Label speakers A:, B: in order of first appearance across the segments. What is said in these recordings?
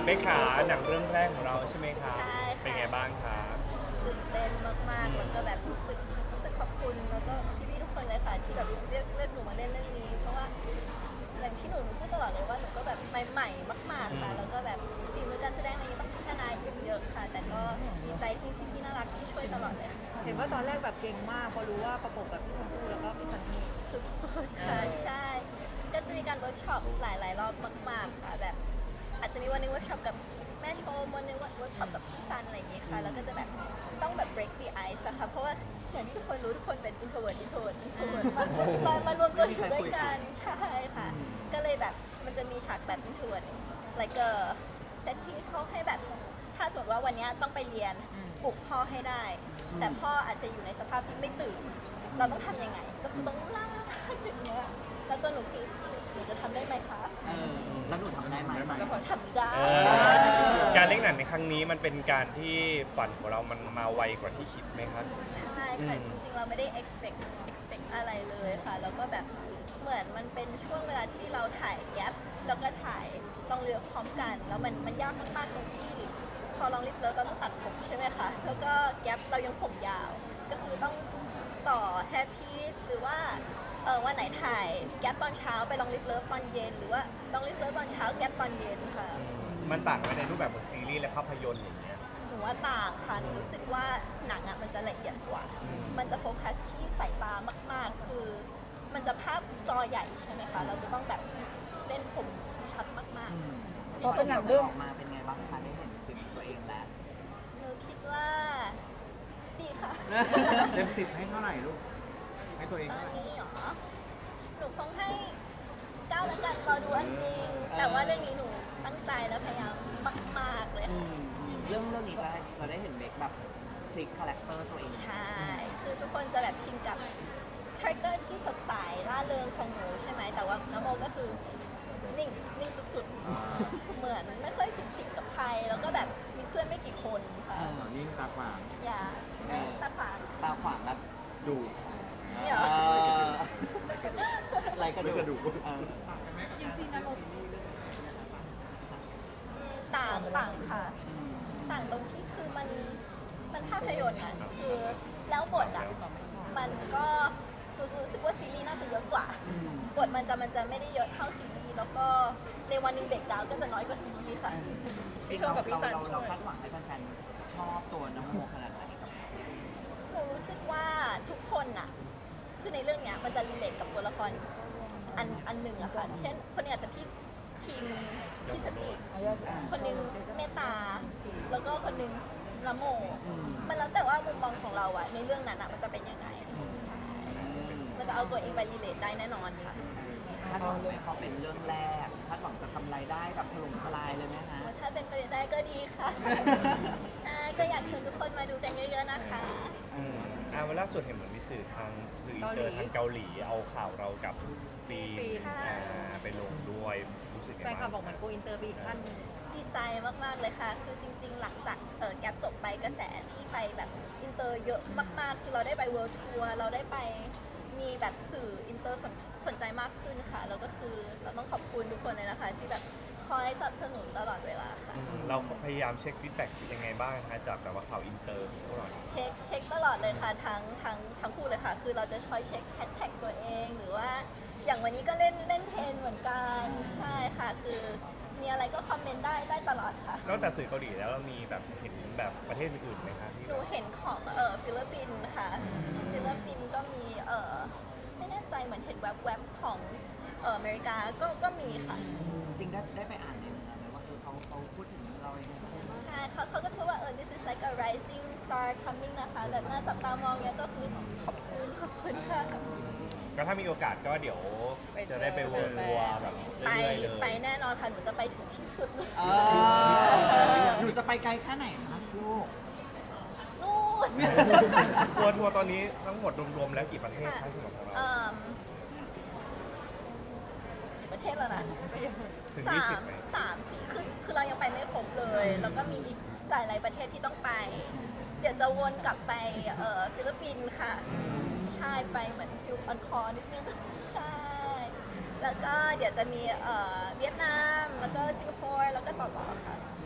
A: เบคขาหนังเรื่องแรกของเราใช่ไหมคะ
B: ใช่ค่ะ
A: เป็นไงบ้างคะ
B: ตื่นเต้นมากๆแล้วก็แบบรู้สึกขอบคุณแล้วก็พี่ๆทุกคนเลยค่ะที่แบบเลือกหนูมาเล่นเรื่องนี้เพราะว่าอย่างที่หนูพูดตลอดเลยว่าหนูก็แบบใหม่ๆมากๆค่ะแล้วก็แบบฝีมือการแสดงอะไรนี้ต้องพัฒนาอีกเยอะค่ะ แต่ก็ดีใจที่พี่ๆน่ารักที่ช่วยตลอดเลยค่ะ
C: เห็นว่าตอนแรกแบบเก่งมากพอรู้ว่าประกบกับพี่ชมพู่แล้วก็พี่ซันนี่
B: สุดๆค่ะใช่ ก็จะมีการเวิร์กช็อปหลายๆรอบมากๆค่ะแบบอาจจะมีวันหนึงเวิร์กช็อปกับแม่ชมวันหนึงเวิร์กช็อปกับพี่ซันอะไรอย่างงี้ค่ะแล้วก็จะแบบต้องแบบ break the ice อะค่ะเพราะว่าอย่างที่ทุกคนรู้ทุกคนเป็น introvert มารวมตัวอยู่ด้วยกันใช่ค่ะก็เลยแบบมันจะมีฉากแบบ introvert like a set ที่เขาให้แบบถ้าสมมติว่าวันนี้ต้องไปเรียนปลุกพ่อให้ได้ แต่พ่ออาจจะอยู่ในสภาพที่ไม่ตื่น เราต้องทำยังไง ก็คือต้องลากอย่างเงี้ยแล้วตัวหนูคือหนูจะทำได้ไหมคะ
D: แล้วหนูทำได้ไหม
B: แล้วก็ทำได้
A: การเล่นหนังในครั้งนี้มันเป็นการที่ฝันของเรามันมาไวกว่าที่คิดไหมครับ
B: ใช่ค่ะจริงๆเราไม่ได้ expect อะไรเลยค่ะแล้วก็แบบเหมือนมันเป็นช่วงเวลาที่เราถ่ายแกปแล้วก็ถ่ายลองเรือพร้อมกัน แล้วมันยากมากๆตรงที่ พอลองลิฟต์แล้วเราต้องตัดผมใช่ไหมคะแล้วก็แกปเรายังผมยาว ก็คือต้องต่อแฮปปี้หรือว่าวันไหนถ่ายแกปตอนเช้าไปลองลิฟต์เลิฟตอนเย็นหรือว่าลองลิฟต์เลิฟตอนเช้าแกปตอนเย็นค่ะ
A: มันต่างกันในรูปแบบของซีรีส์และภาพยนตร์อย่างเงี้ย
B: หนูว่าต่างค่ะ หนูรู้สึกว่าหนังอ่ะมันจะละเอียดกว่า มันจะโฟกัสที่สายตามากๆ คือ มันจะภาพจอใหญ่ใช่ไหมคะ เราจะต้องแบบเล่นคมชัดมาก
D: พอเป็นหนังเรื่องออกมาเป็นไงบ้างคะได้เห็นฝีมือตัวเองแล้ว
B: ๆ หนูคิดว่าดีค่ะ
E: เต็ม10ให้เท่าไหร่ลูก ให้ตัวเอง
B: ตอ
E: เท่าน ไหร่
B: นี้เหรอ หนูคงให้9แล้วกันรอดูอันจริง แต่ว่าเรื่องนี้หนูตั้งใจและพยายามมากๆเลยค่ะ
D: เรื่องนี้จะได้เห็นเบคแบบพลิกคาแรคเตอร์ตัวเอง
B: ใช่ คือทุกคนจะแบบชินกับคาแรคเตอร์ที่สดใสร่าเริงของหนูใช่ไหม แต่ว่าน้ำโมก็คือนิ่งสุดๆ เหมือนไม่ค่อยสุขสิงกับใคร แล้วก็แบบมีเพื่อนไม่กี่คนค่ะ
E: ยิ่งตาขวาง
B: อย่าตาขวาง
D: ตาขวางแบบ
E: ดู
B: เนี่ยเหรอ
D: ไรกระดู
E: กระดูก
B: ต่างค่ะ ต่างตรงที่คือมันภาพยนตร์อ่ะคือแล้วบทอ่ะมันก็รู้สึกว่าซีรีส์น่าจะเยอะกว่า บทมันจะไม่ได้เยอะเท่าซีรีส์แล้วก็ในวันหนึ่งเบรกดาวน์ก็จะน้อยกว่าซีรีส์ค่ะ
D: พี่ชมกับพี่ซันเราคาดหวังให้แฟนๆชอบตัวน้ำโมขนาดไหนกับ
B: หนูรู้สึกว่าทุกคนน่ะคือในเรื่องเนี้ยมันจะรีเลทกับตัวละครอันหนึ่งอะค่ะเช่นคนนี้อาจจะพี่ทีมพี่สติคนหนึงเมตตา แล้วก็คนหนึงละโม มันแล้วแต่ว่ามุมมองของเราอะในเรื่องนั้นอะมันจะเป็นยังไง มันจะเอาตัวเองไปรีเลทได้แน่นอนค่ะ
D: คาดหวังไหมพอเป็นเรื่องแรกคาดหวังจะทำรายได้แบบถล่มทลายเลยไหมฮะ
B: ถ้าเป็นไปได้ก็ดีค่ะ ใช่ก็อยากเชิญทุกคนมาดูกันเยอะๆนะคะ
A: วันล่าสุดเห็นเหมือนมีสื่อทางสื่ออินเตอร์ทางเกาหลีเอาข่าวเรากับฟีนไปลงด้วยรู้สึกไง
C: แฟนคลับ
A: บ้าง
C: บอกเหมือนโกอินเตอร์ไปอีกขั้นหนึ่ง
B: ดีใจมากๆเลยค่ะ คือจริงๆ หลังจากแกปจบไปกระแสที่ไปแบบอินเตอร์เยอะมากๆ คือเราได้ไปเวิลด์ทัวร์เราได้ไปมีแบบสื่ออินเตอร์สนใจมากขึ้นค่ะ แล้วก็คือเราต้องขอบคุณทุกคนเลยนะคะ ที่แบบคอยสนับสนุนตลอดเวลาค่ะ
A: เราพยายามเช็คฟีดแบ็กยังไงบ้างคะจากแบบว่าข่าวอินเตอร์พวกเรา
B: เช็คตลอดเลยค่ะทั้งคู่เลยค่ะ คือเราจะคอยเช็คแฮชแท็กตัวเองหรือว่าอย่างวันนี้ก็เล่นเทรนเหมือนกันใช่ค่ะ คือมีอะไรก็คอมเมนต์ได้ตลอดค่ะ
A: นอกจากสื่อเกาหลีแล้วเรามีแบบเห็นแบบประเทศอื่นๆไหมคะที่
B: หนูเห็นของฟิลิปปินส์ค่ะฟิลิปปินส์ก็มีไม่แน่ใจเหมือนเห็นแวบๆของอเมริกาก็มีค่ะ
D: จริงได้ไปอ่านในเนื้อไหมว่าเขาพูดถึงเรายังไงบ้าง
B: ใช่เขาก็พูดว่าthis is like a rising star coming นะคะแบบน่าจับตามองเนี่ยก็คือขอบคุณค่ะ
A: ก็ถ้ามีโอกาสก็เดี๋ยวจะได้ไปเวิร์ลทัวร์แบบ
B: ไป
A: เรื่อยๆเลย
B: ไปแน่นอนค่ะ หนูจะไปถึงที่สุดเลย
D: หนูจะไปไกลแค่ไหนคะลูก
B: นู่น
A: ทัวร์ตอนนี้ทั้งหมดรวมๆแล้วกี่ประเทศคะสำหรับของเรา
B: กี่ประเทศแล้วนะ
A: ถึง
B: สา
A: 20
B: ม
A: ไหม
B: สี่คือเรายังไปไม่ครบเลย แล้วก็มีอีกหลายๆประเทศที่ต้องไป เดี๋ยวจะวนกลับไปฟิลิปปินส์ค่ะ ใช่ไปเหมือนฟิลออนคอร์นิดนึงใช่ แล้วก็เดี๋ยวจะมีเวียดนาม แล้วก็สิงคโปร์ แล้วก็ต่อค่ะ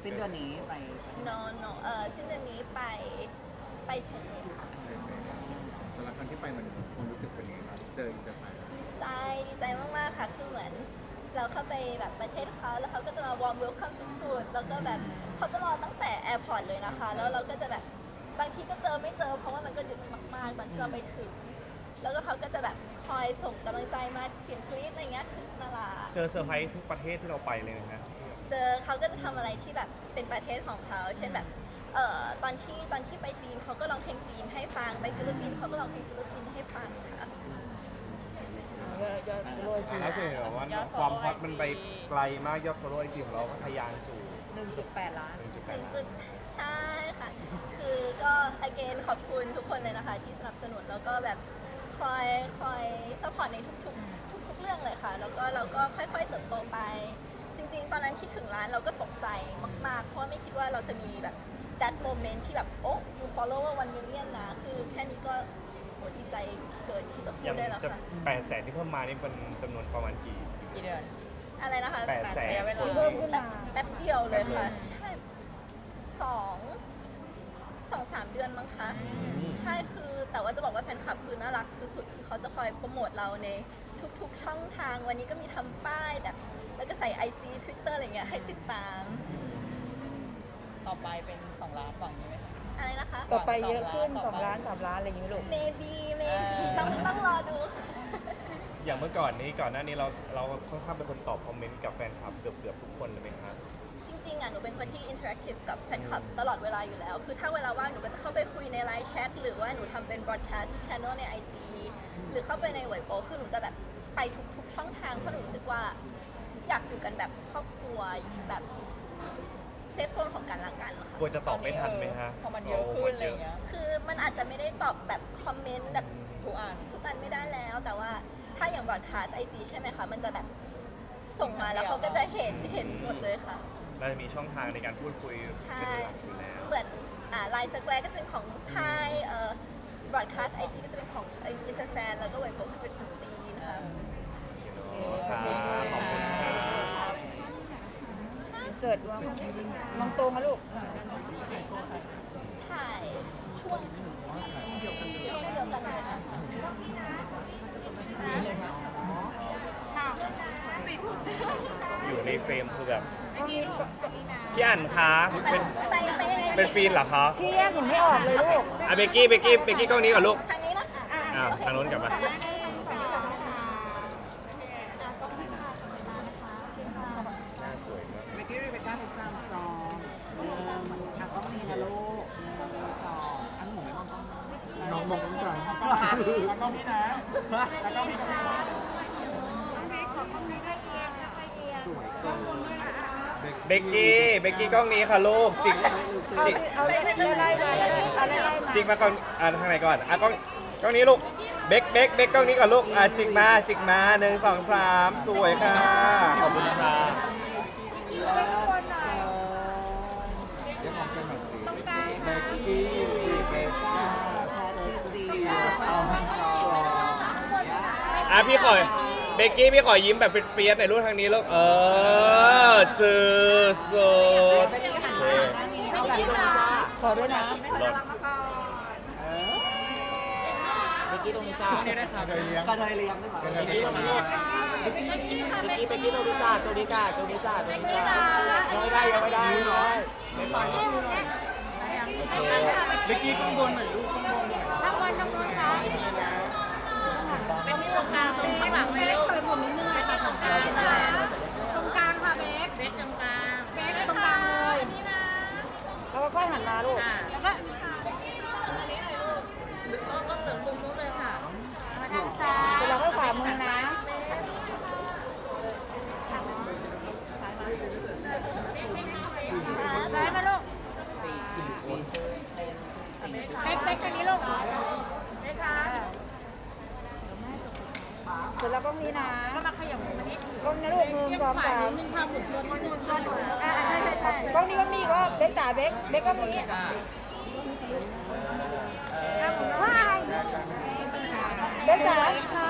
D: สิ้นเดือนนี้ไป
B: no สิ้นเดือนนี้ไปเทนนิสค่ะ
E: แต่ละครั้งที่ไปมันความรู้สึกเป็นยังไงบ้างเจออินเตอร์ไทย
B: ดีใจมากๆค่ะคือเหมือนเราเข้าไปแบบประเทศเขาแล้วเขาก็จะมาวอร์มเวลคัมสุดๆแล้วก็แบบเขาจะรอตั้งแต่แอร์พอร์ตเลยนะคะแล้วเราก็จะแบบบางทีก็เจอไม่เจอเพราะว่ามันก็ดึกมากๆบางทีเราไปถึงแล้วก็เขาก็จะแบบคอยส่งกำลังใจมาเสียงกรี๊ดอะไรเงี้ยคือน่ารัก
A: เจอเซอร์ไพรส์ทุกประเทศที่เราไปเลยนะฮะ
B: เจอเขาก็จะทำอะไรที่แบบเป็นประเทศของเขาเช่นแบบตอนที่ไปจีนเขาก็ร้องเพลงจีนให้ฟังไปฟิลิปปินส์เขาก็ร้องเพลงฟิลิปปินส์ให้ฟังค่ะ
C: ยอดโรยจี
A: แล้วส่วนใหญ่ว่าความฮอตมันไปไกลมากยอด follow ไอจีของเราก็ทะยานสู่
C: 1.8 ล้าน
A: 1.8
B: จุดใช่ค่ะ คือก็ again ขอบคุณทุกคนเลยนะคะที่สนับสนุนแล้วก็แบบคอยซัพพอร์ตในทุกเรื่องเลยค่ะ แล้วก็เราก็ค่อยๆเติบโตไป จริงๆ ตอนนั้นที่ถึงร้านเราก็ตกใจมากๆ เพราะว่าไม่คิดว่าเราจะมีแบบ that moment ที่แบบโอ้ you follower 1 million นะ คือแค่นี้ก็โหดีใจเกินที่จะพู
A: ยั
B: ด
A: ง
B: ได้แล้ว
A: จะ
B: ค่ะ
A: 800,000ที่เพิ่มมานี่เป็นจำนวนประมาณกี่
C: เดือน
B: อะไรนะคะ
A: 800,000
C: เวลา
B: เพิ่มขึ้นมาแป๊บเดียวเลยค่ะ ใช่2-3 เดือนมั้งคะ ใช่คือแต่ว่าจะบอกว่าแฟนคลับคือน่ารักสุดๆ คือเขาจะคอยโปรโมทเราในทุกๆช่องทาง วันนี้ก็มีทำป้ายแบบ แล้วก็ใส่ IG Twitter อะไรเงี้ยให้ติดตาม
C: ต่อไปเป็น 2 ล้านฝั่งนี้ไหมคะ
B: อะไรนะคะ
C: ต่อไปเยอะขึ้น 2 ล้าน 3 ล้านอะไรอย่างนี้ลูก
B: maybe ต้องรอดูค่ะ
A: อย่างเมื่อก่อนหน้านี้เราค่อนข้างเป็นคนตอบคอมเมนต์กับแฟนคลับเกือบทุกคนเลยไหมครับ
B: จริงๆอ่ะหนูเป็นคนที่ interactive กับแฟนคลับตลอดเวลาอยู่แล้ว คือถ้าเวลาว่างหนูก็จะเข้าไปคุยในไลน์แชทหรือว่าหนูทำเป็น broadcast channel ใน IG หรือเข้าไปในเว็บโปคือหนูจะแบบไปทุกช่องทางเพราะหนูรู้สึกว่าอยากอยู่กันแบบครอบครัวแบบเซฟโซนของกันและกันค่ะ
A: กลัวจะตอบไม่ทันไหมฮะ
C: พอมันเยอะขึ้นอะไรอย่างเงี้ย
B: คือมันอาจจะไม่ได้ตอบแบบคอมเมนต์แบบ
C: ทุกอัน
B: ทุกอันไม่ได้แล้ว แต่ว่าถ้าอย่าง broadcast IG ใช่ไหมคะ มันจะแบบส่งมาแล้วเขาก็จะเห็นหมดเลยค่ะ
A: เราจะมีช่องทางในการพูดคุย
B: ใช่
A: เป็นหลักอยู่แล้ว
B: เหมือนไลน์สแควร์ก็จะเป็นของไทยbroadcast IG ก็จะเป็นของอินเตอร์แฟนแล้วก็เว็บโปก็จะเป็นของจีนค่ะ
A: ครับขอบคุณครับ
C: อินเสิร์ตมองตรงนะลูก
B: ถ่ายช่วงเดียวกันเลยนะคะ
A: อยู่ในเฟรมคือแบบพี่อั๋นคะเป็น
B: ไปยังไง
A: เป็นฟีนเหรอคะ
C: พี่แยกหนูไม่ออกเลยลูก
A: อ่ะเบกกี้กล้องนี้ก่อนลูก
B: ทางนี้นะ
A: อ่าทางโน้นกลับมา หน้าสวยมาก
D: เมื่อกี้เรเบคก้าเป็นซัมซองก็มีนะลูก1 2อันหนูไม่มองกล้อง
E: น้องมองต้องจัง
D: แล้วก็มีนะแล้วก็มีนะสวยเกิน
A: เบกกี้กล้องนี้ค่ะลูกจิกจิก
C: เอาไล่มาเอาไล่มา
A: จิกมาก่อนทางไหนก่อนกล้องนี้ลูกเบกกล้องนี้ก่อนลูกจิกมา1 2 3สวยค่ะขอบคุณค่ะ
D: เลิศเกิน
E: เดี๋ยวมองเป็นหน่อยสิ
D: เบกกี้เบกก้าแพทริเซียซัมซอง
A: พี่ขอเบกกี้พี่ขอยิ้มแบบเฟียสๆหน่อยลูกทางนี้ลูกจือสุด
D: เบกกี้หันมาด้านนี้เอาแบบนี้จ้า
C: ขอด้วยนะ
D: ไม่น่ารักมาก่อนเบกกี้ตรงนี้จ้า
E: เคยเลี้ยง
D: กระเทยเลี้ยงด้วยเหรอ
E: เลี้ยงตรงนี้
D: เบกกี้ตรงนี้จ้าตรงนี้จ้าตรงนี้จ้ายังไม่ได้ไม่ไปเบกกี้ข้างบนหน่อยลูกข้างบนหน่อย
B: ข้างบนตรงนู้นค่ะเป็นที่ตรงกลางตรงข้างหลังเลยลูกผมนิดนึงค่ะตรงกลางตรงกลางค่ะเบคตรงกลางเบคตรงกลางเลยนี่นะ
C: แล้วก็ค่อยหันมาลูก
B: แล้วก็ต้องเหลืองมุมนู้นเลยค่ะด้านซ้าย
C: เสร็จแล้วก็ขวามือนะ
B: ซ้ายมาลูกเป๊กทางนี้ลูกเป๊กค่ะ
C: เสร็จแล้วก็มีนะ
B: ก็มาขยับมือมานิด
C: กล้องนี้ลูก1 2 3
B: นึงค่ะหมุนตัวนิดนึงก็ใช่
C: กล้องนี้ก็มีก็เบกจ๋าเบกก็มี
B: ว้าย
C: เบกจ๋า